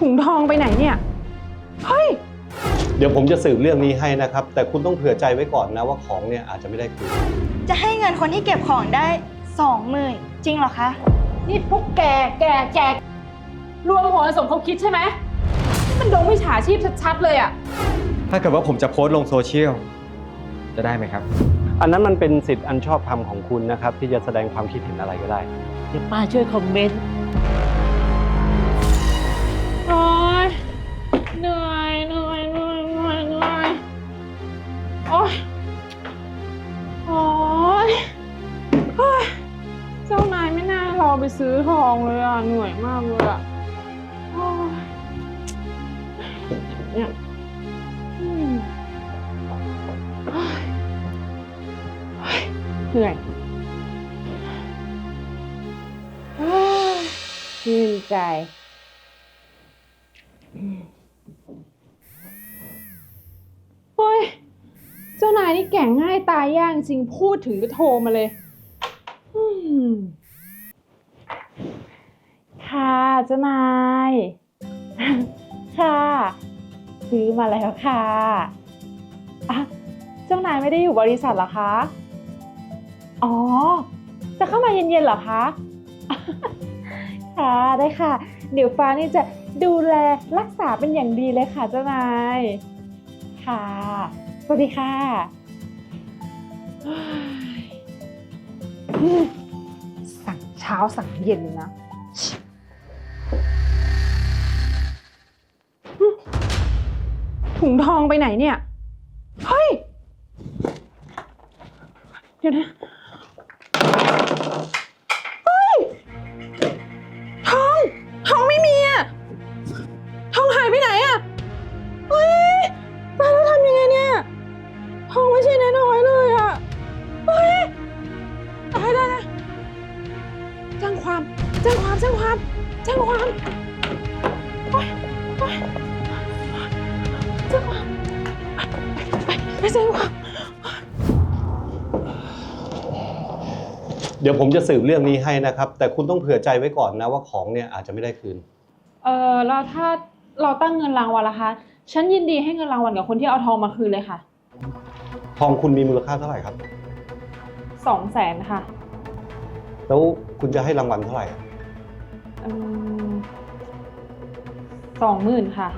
ถุงทองไปไหนเนี่ยเฮ้ยเดี๋ยวผมจะสืบเรื่องนี้ให้นะครับแต่คุณต้องเผื่อใจไว้ก่อนนะว่าของเนี่ยอาจจะไม่ได้คืนจะให้เงินคนที่เก็บของได้20,000จริงเหรอคะนี่พวกแกรวมหัวสมคบคิดใช่ไหมนี่มันโดนมิจฉาชีพชัดๆเลยอ่ะถ้าเกิดว่าผมจะโพสต์ลงโซเชียลจะได้ไหมครับอันนั้นมันเป็นสิทธิ์อันชอบธรรมของคุณนะครับที่จะแสดงความคิดเห็นอะไรก็ได้เดี๋ยวป้าช่วยคอมเมนต์โอ๊ยเหนื่อยโอ๊ยเจ้านายไม่น่ารอไปซื้อทองเลยอ่ะเหนื่อยมากเลยอ่ะเนี่ยเหนื่อยชื่นใจเฮ้ยเจ้านายนี่แก่งง่ายตายยากจริงพูดถึงก็โทรมาเลยค่ะเจ้านายค่ะซื้อมาแล้วค่ะเจ้านายไม่ได้อยู่บริษัทเหรอคะอ๋อจะเข้ามาเย็นๆเหรอคะค่ะได้ค่ะเดี๋ยวฟ้านี่จะดูแลรักษาเป็นอย่างดีเลยค่ะเจ้านายค่ะสวัสดีค่ะสั่งเช้าสั่งเย็นนะถุงทองไปไหนเนี่ยเฮ้ยเดี๋ยวนะเฮ้ยทองไม่มีอะทองหายไปไหนอะเฮ้ยตายแล้วทำยังไงเนี่ยทองไม่ใช่น้อยๆเลยอะเฮ้ยตายได้แจ้งความโอ๊ยไปแจ้งความแจ้งความเดี๋ยวผมจะสืบเรื่องนี้ให้นะครับแต่คุณต้องเผื่อใจไว้ก่อนนะว่าของเนี่ยอาจจะไม่ได้คืนแล้วถ้าเราตั้งเงินรางวัลล่ะคะฉันยินดีให้เงินรางวัลกับคนที่เอาทองมาคืนเลยค่ะทองคุณมีมูลค่าเท่าไหร่ครับ 200,000ค่ะแล้วคุณจะให้รางวัลเท่าไหร่ 20,000ค่ะ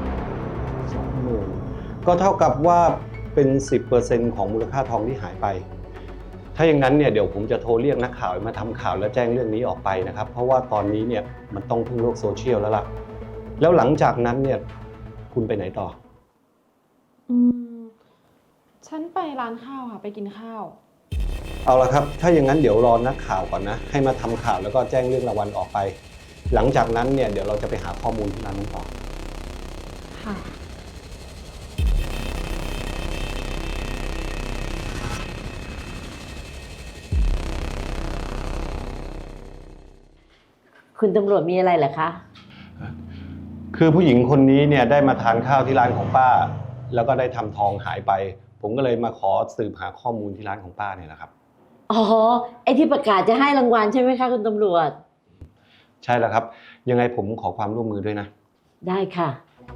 20,000ก็เท่ากับว่าเป็น 10% ของมูลค่าทองที่หายไปถ้าอย่างนั้นเนี่ยเดี๋ยวผมจะโทรเรียกนักข่าวมาทำข่าวแล้วแจ้งเรื่องนี้ออกไปนะครับเพราะว่าตอนนี้เนี่ยมันต้องพึ่งโลกโซเชียลแล้วล่ะแล้วหลังจากนั้นเนี่ยคุณไปไหนต่อฉันไปร้านข้าวค่ะไปกินข้าวเอาละครับถ้าอย่างนั้นเดี๋ยวรอนักข่าวก่อนนะให้มาทำข่าวแล้วก็แจ้งเรื่องรางวัลออกไปหลังจากนั้นเนี่ยเดี๋ยวเราจะไปหาข้อมูลที่ร้านนั้นต่อค่ะคุณตำรวจมีอะไรเหรอคะคือผู้หญิงคนนี้เนี่ยได้มาทานข้าวที่ร้านของป้าแล้วก็ได้ทำทองหายไปผมก็เลยมาขอสืบหาข้อมูลที่ร้านของป้าเนี่ยแหละครับอ๋อไอ้ที่ประกาศจะให้รางวัลใช่ไหมคะคุณตำรวจใช่แล้วครับยังไงผมขอความร่วมมือด้วยนะได้ค่ะ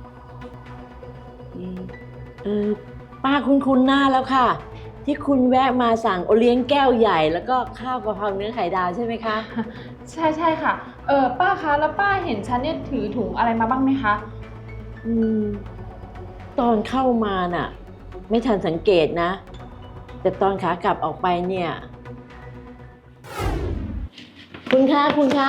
ป้าคุ้นหน้าแล้วค่ะที่คุณแวะมาสั่งโอเลี้ยงแก้วใหญ่แล้วก็ข้าวกะเพราเนื้อไข่ดาวใช่ไหมคะใช่ค่ะป้าคะแล้วป้าเห็นฉันเนี่ยถือถุงอะไรมาบ้างไหมคะตอนเข้ามาน่ะไม่ทันสังเกตนะแต่ตอนขากลับออกไปเนี่ยคุณคะ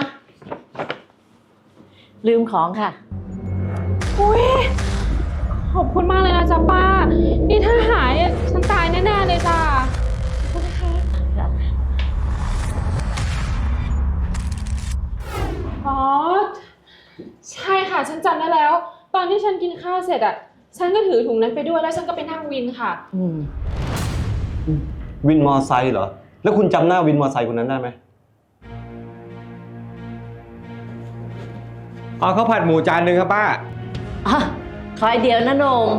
ลืมของค่ะอุ๊ยขอบคุณมากเลยนะจ๊ะป้านี่ถ้าหายฉันตายแน่ๆเลยจ้ะขอบคุณค่ะอ๋อใช่ค่ะฉันจำได้แล้วตอนที่ฉันกินข้าวเสร็จอ่ะฉันก็ถือถุงนั้นไปด้วยแล้วฉันก็ไปนั่งวินค่ะวินมอไซค์เหรอแล้วคุณจำหน้าวินมอไซค์คนนั้นได้ไหมเอาข้าวผัดหมูจานหนึ่งครับป้าคอยเดียวนะโหน่ง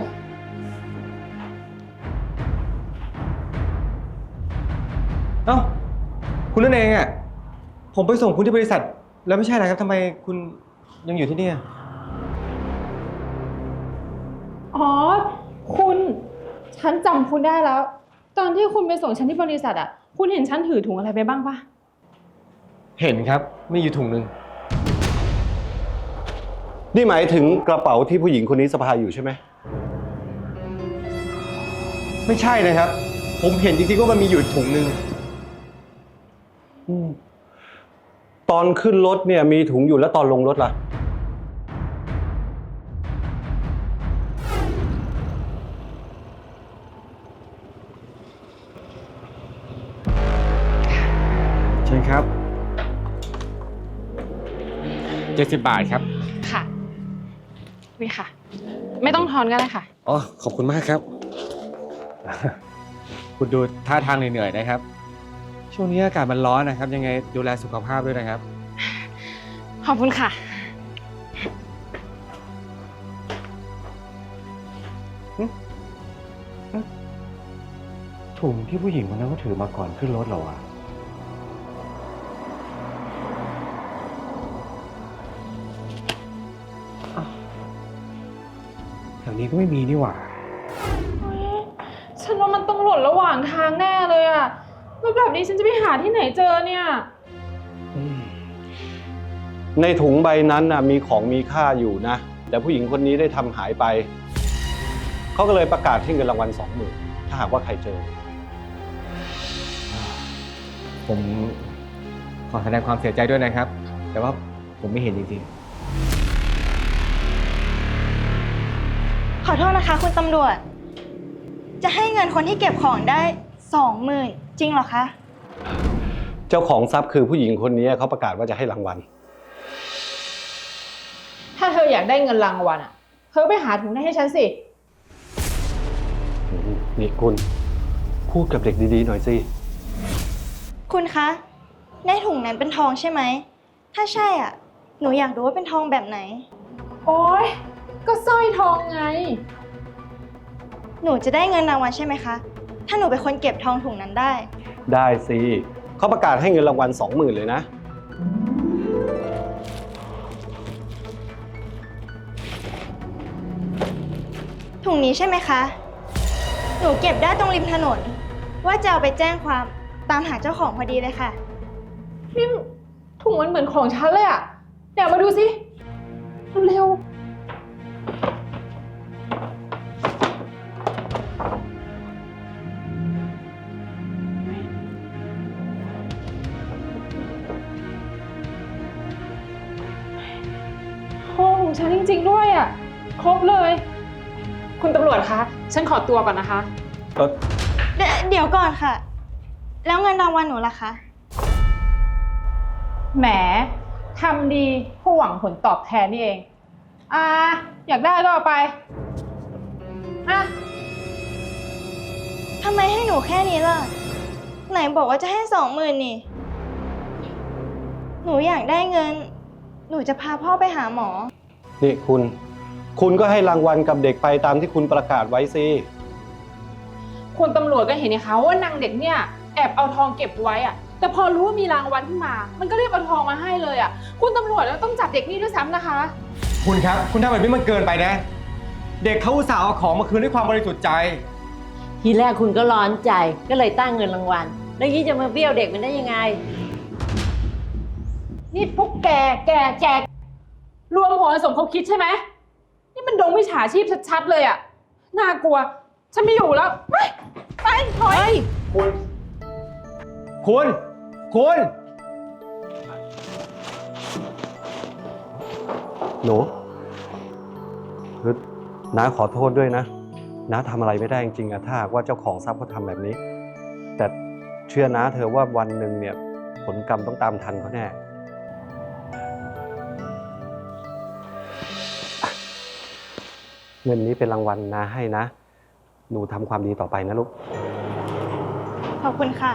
เอ้าคุณนั่นเองอ่ะผมไปส่งคุณที่บริษัทแล้วไม่ใช่อะไรครับทำไมคุณยังอยู่ที่นี่อ๋อ คุณฉันจำคุณได้แล้ว ตอนที่คุณไปส่งฉันที่บริษัทอ่ะ คุณเห็นฉันถือถุงอะไรไปบ้างปะเห็นครับมีอยู่ถุงหนึ่งนี่หมายถึงกระเป๋าที่ผู้หญิงคนนี้สะพายอยู่ใช่ไหมไม่ใช่นะครับ ผมเห็นจริงๆว่ามันมีอยู่ถุงหนึ่งตอนขึ้นรถเนี่ยมีถุงอยู่แล้วตอนลงรถล่ะใช่ครับ70 บาทครับค่ะนี่ค่ะ ไม่ต้องทอนก็ได้ค่ะอ๋อขอบคุณมากครับ คุณดูท่าทางเหนื่อยๆนะครับ ช่วงนี้อากาศมันร้อนนะครับ ยังไงดูแลสุขภาพด้วยนะครับขอบคุณค่ะถุงที่ผู้หญิงคนนั้นก็ถือมาก่อนขึ้นรถเหรอวะอ้าวแถวนี้ก็ไม่มีนี่หว่าฉันว่ามันต้องหล่นระหว่างทางแน่เลยอะแล้วแบบนี้ฉันจะไปหาที่ไหนเจอเนี่ยในถุงใบนั้นน่ะมีของมีค่าอยู่นะ แต่ผู้หญิงคนนี้ได้ทำหายไป เขาก็เลยประกาศให้เงินรางวัล 20,000 ถ้าหากว่าใครเจอผมขอแสดงความเสียใจด้วยนะครับ แต่ว่าผมไม่เห็นจริงขอโทษนะคะคุณตำรวจ จะให้เงินคนที่เก็บของได้ 20,000 จริงเหรอคะเจ้าของทรัพย์คือผู้หญิงคนนี้เขาประกาศว่าจะให้รางวัลถ้าเธออยากได้เงินรางวัลอะเธอไปหาถุงนั้นให้ฉันสินี่คุณพูดกับเด็กดีๆหน่อยสิคุณคะ ในถุงนั้นเป็นทองใช่ไหม ถ้าใช่อ่ะ หนูอยากรู้ว่าเป็นทองแบบไหนโอ๊ย ก็สร้อยทองไงหนูจะได้เงินรางวัลใช่ไหมคะ ถ้าหนูเป็นคนเก็บทองถุงนั้นได้ได้สิเขาประกาศให้เงินรางวัล 20,000 เลยนะถุงนี้ใช่ไหมคะ หนูเก็บได้ตรงริมถนน ว่าจะเอาไปแจ้งความตามหาเจ้าของพอดีเลยค่ะนี่ถุงมันเหมือนของฉันเลยอะเดี๋ยวมาดูสิเร็วทองของฉันจริงๆด้วยอะครบเลย คุณตำรวจคะ ฉันขอตัวก่อนนะคะเดี๋ยวก่อนค่ะ แล้วเงินรางวัลหนูล่ะคะแหม ทำดีเพื่อหวังผลตอบแทนนี่เอง อยากได้ก็เอาไปทำไมให้หนูแค่นี้ล่ะ ไหนบอกว่าจะให้ 20,000 นี่ หนูอยากได้เงิน หนูจะพาพ่อไปหาหมอนี่คุณก็ให้รางวัลกับเด็กไปตามที่คุณประกาศไว้สิคุณตำรวจก็เห็นนะคะว่านางเด็กเนี่ยแอบเอาทองเก็บไว้อะแต่พอรู้ว่ามีรางวัลขึ้นมา มันก็รีบเอาทองมาให้เลยอะคุณตำรวจแล้วต้องจับเด็กนี่ด้วยซ้ำนะคะๆ คุณครับ คุณทำแบบนี้มันเกินไปนะ เด็กเขาอุตส่าห์เอาของมาคืนด้วยความบริสุทธิ์ใจทีแรกคุณก็ร้อนใจก็เลยตั้งเงินรางวัล แล้วยี่จะมาเบี้ยวเด็กมันได้ยังไงนี่พวกแกรวมหัวสมคบคิดใช่ไหมนี่มันดงมิจฉาชีพชัดๆเลยอะน่ากลัว ฉันไม่อยู่แล้วไปถอยคุณหนูคือน้าขอโทษด้วยนะน้าทำอะไรไม่ได้จริงๆอะถ้าหากว่าเจ้าของทรัพย์เขาทำแบบนี้ แต่เชื่อน้าเธอว่าวันหนึ่งเนี่ยผลกรรมต้องตามทันเขาแน่ เงินนี้เป็นรางวัลน้าให้นะ หนูทำความดีต่อไปนะลูกขอบคุณค่ะ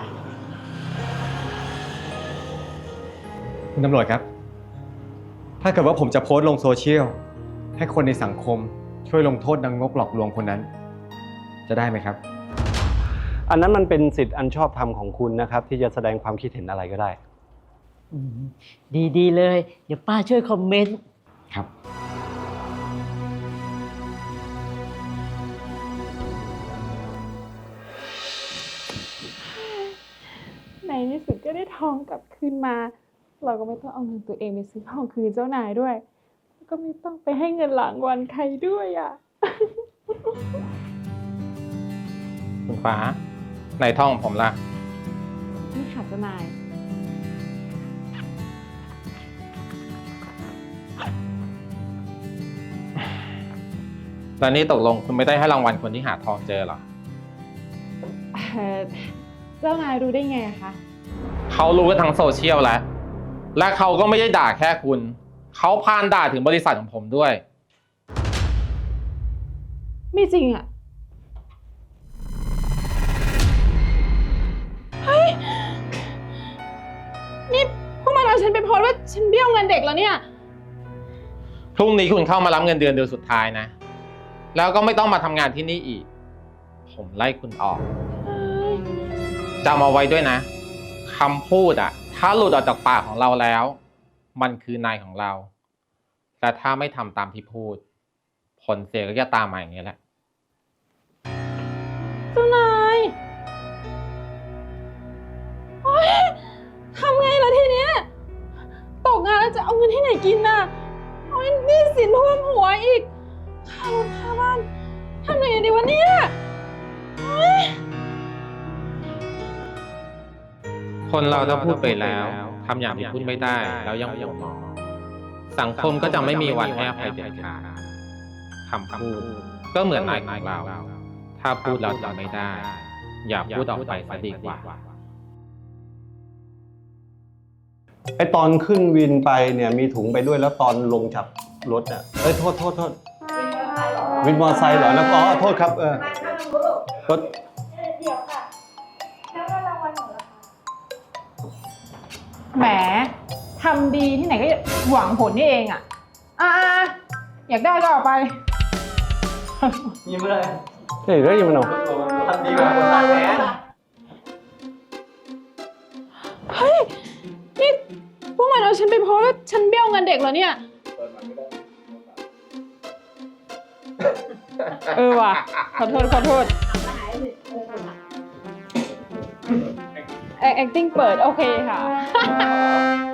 คุณตำรวจครับ ถ้าเกิดว่าผมจะโพสต์ลงโซเชียลให้คนในสังคมช่วยลงโทษนางงกหลอกลวงคนนั้น จะได้ไหมครับอันนั้นมันเป็นสิทธิ์อันชอบธรรมของคุณนะครับ ที่จะแสดงความคิดเห็นอะไรก็ได้ดีเลย เดี๋ยวป้าช่วยคอมเมนต์ครับก็ได้ทองกลับคืนมา เราก็ไม่ต้องเอาเงินตัวเองไปซื้อทองคืนเจ้านายด้วย ก็ไม่ต้องไปให้เงินรางวัลใครด้วยอ่ะคุณฟ้าในท่องผมล่ะนี่ค่ะเจ้านายแล้วนี่ตกลงคุณไม่ได้ให้รางวัลคนที่หาทองเจอเหรอเจ้านายรู้ได้ไงอะคะเขารู้กันทั้งโซเชียลแล้ว และเขาก็ไม่ได้ด่าแค่คุณ เขาพานด่าถึงบริษัทของผมด้วยไม่จริงอะเฮ้ย นี่พวกมันเอาฉันไปโพสต์ว่าฉันเบี้ยวเงินเด็กแล้วเนี่ยพรุ่งนี้คุณเข้ามารับเงินเดือนสุดท้ายนะ แล้วก็ไม่ต้องมาทำงานที่นี่อีก ผมไล่คุณออกจำเอาไว้ด้วยนะคำพูดอะถ้าหลุดออกจากปากของเราแล้ว มันคือนายของเรา แต่ถ้าไม่ทำตามที่พูด ผลเสียก็จะตามมาอย่างนี้แหละเจ้านายโอ๊ยทำไงล่ะทีเนี้ย ตกงานแล้วจะเอาเงินที่ไหนกินน่ะโอ๊ยหนี้สินท่วมหัวอีก ค่ารถค่าบ้านทำยังไงดีวะเนี่ยโอ๊ยคนเราถ้าพูดไปแล้วทำอย่างที่พูดไม่ได้แล้วยังห่วงมองสังคมก็จะไม่มีวันให้อภัยเด็ดขาดคำพูดก็เหมือนนายของเรา ถ้าพูดเราทำไม่ได้ อย่าพูดออกไปซะดีกว่าไอตอนขึ้นวินไปเนี่ยมีถุงไปด้วยแล้วตอนลงจากรถเนี่ยโทษวินมอเตอร์ไซค์เหรอแล้วก็โทษครับรถเดี๋ยวค่ะแล้วเงินรางวัลหนูล่ะคะแหมทำดีที่ไหนก็หวังผลนี่เองอ่ะอยากได้ก็เอาไปยิ้มเลยเฮ้ยได้ยินมันหรอทำดีกว่าคนตาแทนเฮ้ย นี่พวกมันเอาฉันไปโพสต์ว่าฉันเบี้ยวเงินเด็กเหรอเนี่ย ว่ะ ขอโทษ acting เปิดโอเคค่ะ